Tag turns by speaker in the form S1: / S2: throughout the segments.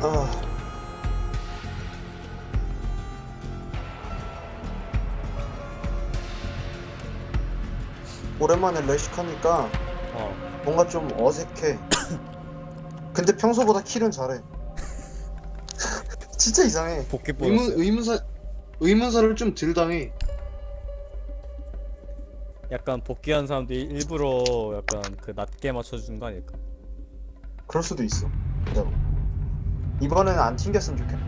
S1: 아, 오랜만에 레식하니까
S2: 어.
S1: 뭔가 좀 어색해. 근데 평소보다 킬은 잘해. 진짜 이상해.
S2: 복귀 보너스.
S1: 의문사를 좀 덜 당해.
S2: 약간 복귀한 사람들이 일부러 약간 그 낮게 맞춰주는 거 아닐까?
S1: 그럴 수도 있어. 진짜로. 이번에는 안 튕겼으면 좋겠네.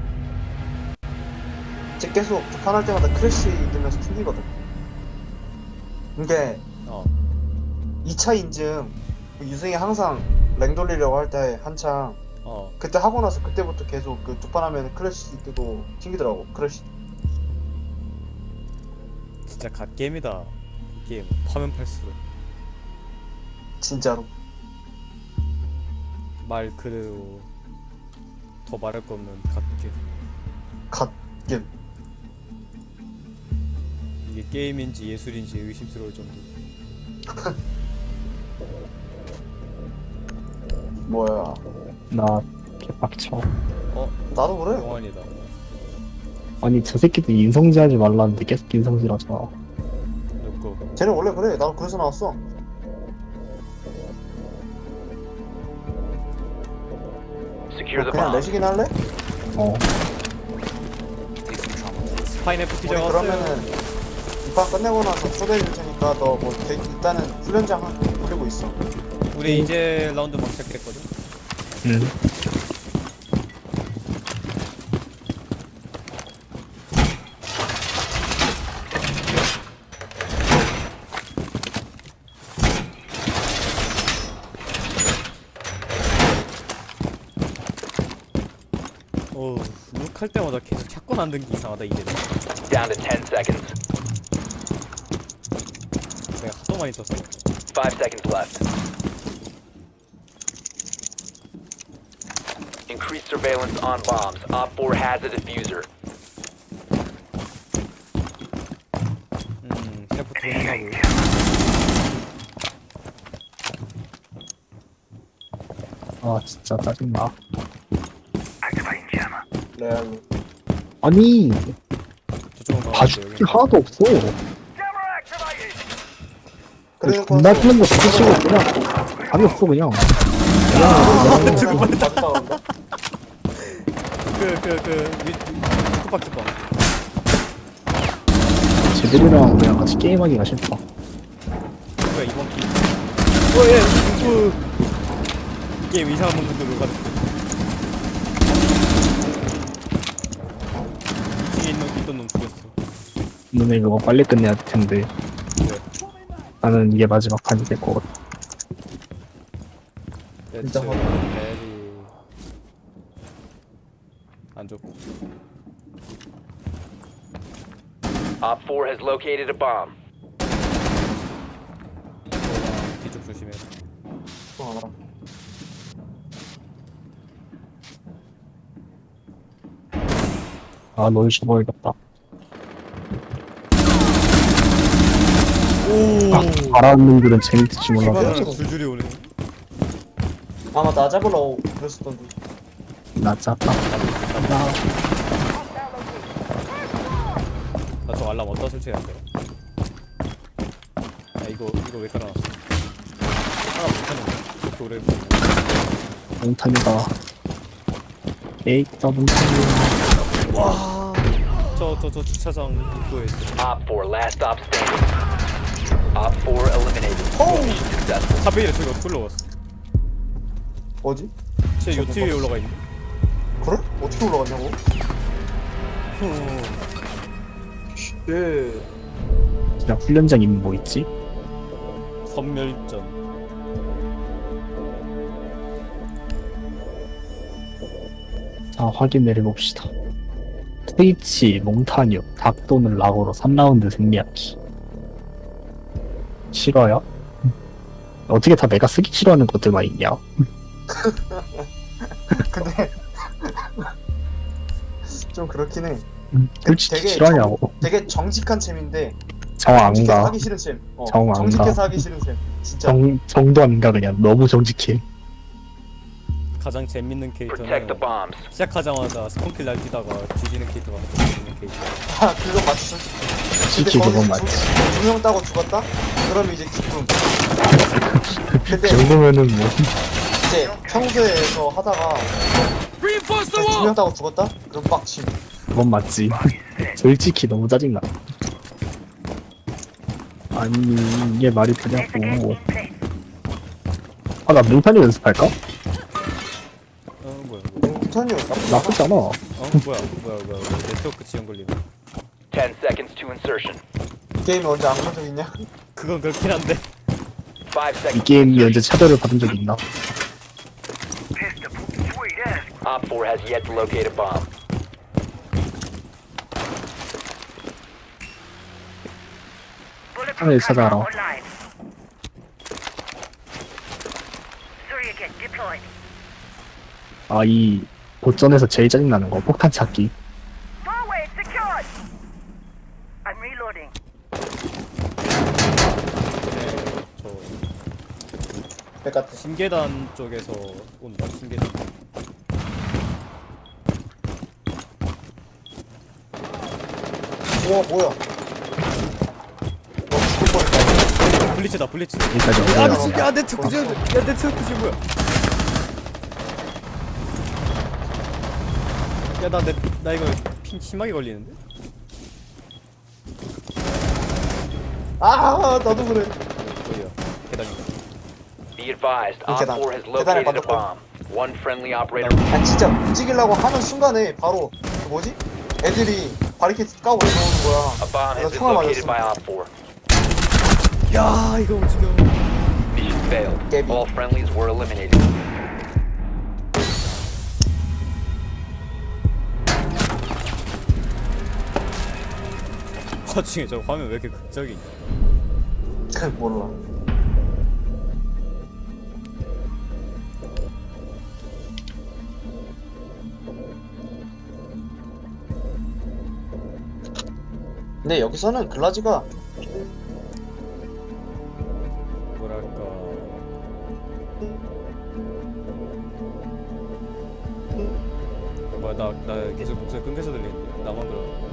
S1: 쟤 계속 두판할 때마다 크래시 뜨면서 튕기거든. 이게
S2: 어.
S1: 2차 인증 그 유승이 항상 랭 돌리려고 할 때 한창
S2: 어.
S1: 그때 하고 나서 그때부터 계속 그 두 판 하면 크래시 뜨고 튕기더라고. 크래시.
S2: 진짜 갓게임이다. 이 게임 파면 팔수록
S1: 진짜로.
S2: 말 그대로 더 말할 거 없는 갓게임.
S1: 갓겜.
S2: 이게 게임인지 예술인지 의심스러울 정도.
S1: 뭐야.
S3: 나 개빡쳐.
S2: 어?
S1: 나도 그래.
S2: 영환이다.
S3: 아니 저 새끼들 인성질하지 말라는데 계속 인성질하잖아.
S2: 누구?
S1: 쟤는 원래 그래. 나도 그래서 나왔어. 그냥 내시긴 할래?
S3: 어.
S2: 파인애플 피자
S1: 우리
S2: 왔어요.
S1: 그러면은 이 판 끝내고 나서 초대해 줄 테니까 너 뭐 일단은 훈련장 돌리고 있어.
S2: 우리 이제 라운드 막 시작했거든.
S3: 응.
S2: 어우, 룩할 때마다 계속 샷건 안 든게 이상하다 이제는.
S4: Down to 10 seconds.
S2: 내가 하도 많이 떴어.
S4: 5 seconds left. Increased surveillance on bombs. Op 4 has a diffuser.
S2: 셰프 트레이닝하고.
S3: 아 진짜 짜증나.
S1: 레알로.
S3: 아니
S2: 저쪽은 가면
S3: 봐줄 게 하나도 없어.
S1: 그래놓고
S3: 존나 뛰는 거 스치고 그냥 답이 없어 그냥.
S2: 쿠박스방.
S3: 쟤들이랑 그냥 같이 게임하기가 싫다.
S2: 뭐야 이번 게임. 예, 이 게임 이상한 놈들로 가는. 2층에 있던 놈 죽였어.
S3: 너네 그거 빨리 끝내야 될 텐데.
S2: 왜?
S3: 나는 이게 마지막 판이 될 것 같아.
S1: 진짜
S2: 대충
S1: 화나.
S2: 베리 안 좋고.
S4: Op 4 has located a bomb.
S2: 뒤쪽 조심해.
S3: 아 널 죽어야겠다.
S2: 오.
S3: 바라는 글은 재밌을지 몰라도
S2: 기반으로 줄줄이 오네.
S1: 아마 나 잡으러 그랬었던데.
S3: 나 짰다. 나
S2: 나 저 알람 어디다 설치해야 돼? 아 이거 왜 깔아놨어? 하나 못하는 이렇게 오래
S3: 몽탄이다. 에이다 몽탄이.
S2: 와. 저 주차장 입구에 있어.
S4: Op 4 last stop standing. Op 4 eliminated. Mission successful.
S2: 사베이를 저기 어떻게 올라갔어?
S1: 뭐지?
S2: 쟤 요트 위에 올라가 있네.
S1: 그래? 어떻게 올라갔냐고? 예.
S3: 그냥 훈련장 이름 뭐 있지?
S2: 선멸전.
S3: 자 확인을 해봅시다. 트위치, 몽타뉴, 닭 또는 락으로 3라운드 승리하기. 싫어요? 어떻게 다 내가 쓰기 싫어하는 것들만 있냐?
S1: 근데 좀 그렇긴 해.
S3: 솔직히
S1: 되게
S3: 싫어하냐고.
S1: 되게 정직한 챔인데
S3: 정 안
S1: 정직해서
S3: 가.
S1: 하기 싫은 챔.
S3: 정 안
S1: 정직해서
S3: 가.
S1: 하기 싫은 챔. 진짜.
S3: 정도 안 가 그냥. 너무 정직해.
S2: 가장 재밌는
S4: Protect
S2: 캐릭터는
S4: the bombs.
S2: 시작하자마자 스폰킬 날뛰다가 뒤지는 캐릭터가 가장 재밌는 캐릭터.
S1: 아 그거 맞지
S3: 솔직히 그건 맞지.
S1: 두명 따고 죽었다? 그럼 이제 기쁨.
S3: 그
S1: 근데
S3: 정도면은 뭐
S1: 이제 평소에서 하다가 두명 따고 죽었다? 그럼 빡침.
S3: 그건 맞지. 솔직히 너무 짜증나. 아니 이게 말이 되냐고. 아 나 몽타뉴 연습할까?
S2: 뭐야
S1: 턴이요.
S3: 나쁘지 않아.
S2: 뭐야 네트워크 지연 걸리네.
S4: 10 seconds to insertion.
S1: 게임에 언제 안 본 적 있냐?
S2: 그건 그렇긴 한데.
S4: 5
S3: 이
S4: seconds.
S3: 게임이 언제 차별을 받은 적이 있나?
S4: Op 4 has yet to locate a bomb.
S3: 하늘 찾아라. 아 이 보전에서 제일 짜증나는 거 폭탄 찾기.
S5: Doorway secured. I'm reloading.
S2: 네, 저
S1: 백같아.
S2: 신계단 쪽에서 온다. 신계단.
S1: 우와 뭐야? 죽을 뻔했다.
S2: 블리츠다 블리츠.
S3: 여기까지
S2: 야
S3: 올라가.
S2: 미친. 야 네트워크 지연. 야 네트워크 지연 뭐야? 야 나 이거 핑 심하게 걸리는데?
S1: 아 나도 그래.
S2: 어디야? 계단인가?
S4: Be advised, Op
S1: 계단.
S4: 4 has
S1: 계단에
S4: located a
S1: 맞았고.
S4: bomb. One friendly operator.
S1: 아 진짜 움직이려고 하는 순간에 바로 그 뭐지? 애들이 바리케이트 까고 들어오는 거야.
S4: A bomb
S1: 내가
S4: has been
S1: 총알
S4: located
S1: 맞았어.
S4: by Op 4.
S2: 야 이거 움직여.
S4: Mission failed.
S1: Debbie.
S4: All friendlies were eliminated.
S2: 와중에 저 화면 왜 이렇게 극적이냐?
S1: 몰라. 근데 여기서는 글라지가
S2: 뭐랄까 뭐야 나 계속 목소리 끊겨서 들리는데 나만 그러.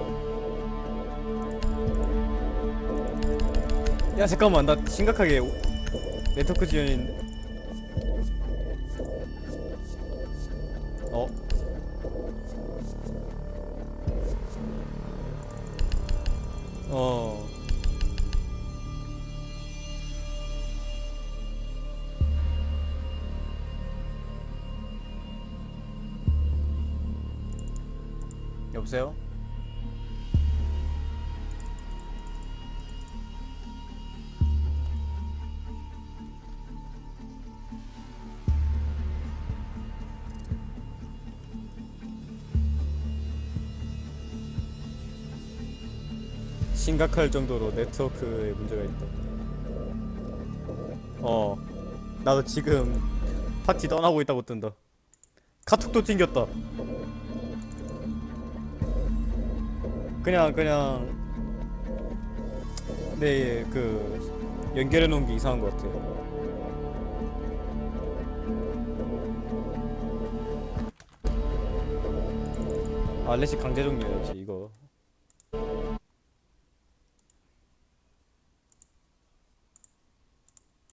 S2: 야 잠깐만 나 심각하게 네트워크 지연인데. 어? 어. 여보세요? 심각할 정도로 네트워크에 문제가 있다. 나도 지금 파티 떠나고 있다고 뜬다. 카톡도 튕겼다. 그냥 내 그 연결해 놓은 게 이상한 것 같아. 알레시 강제 종료해야지 이거.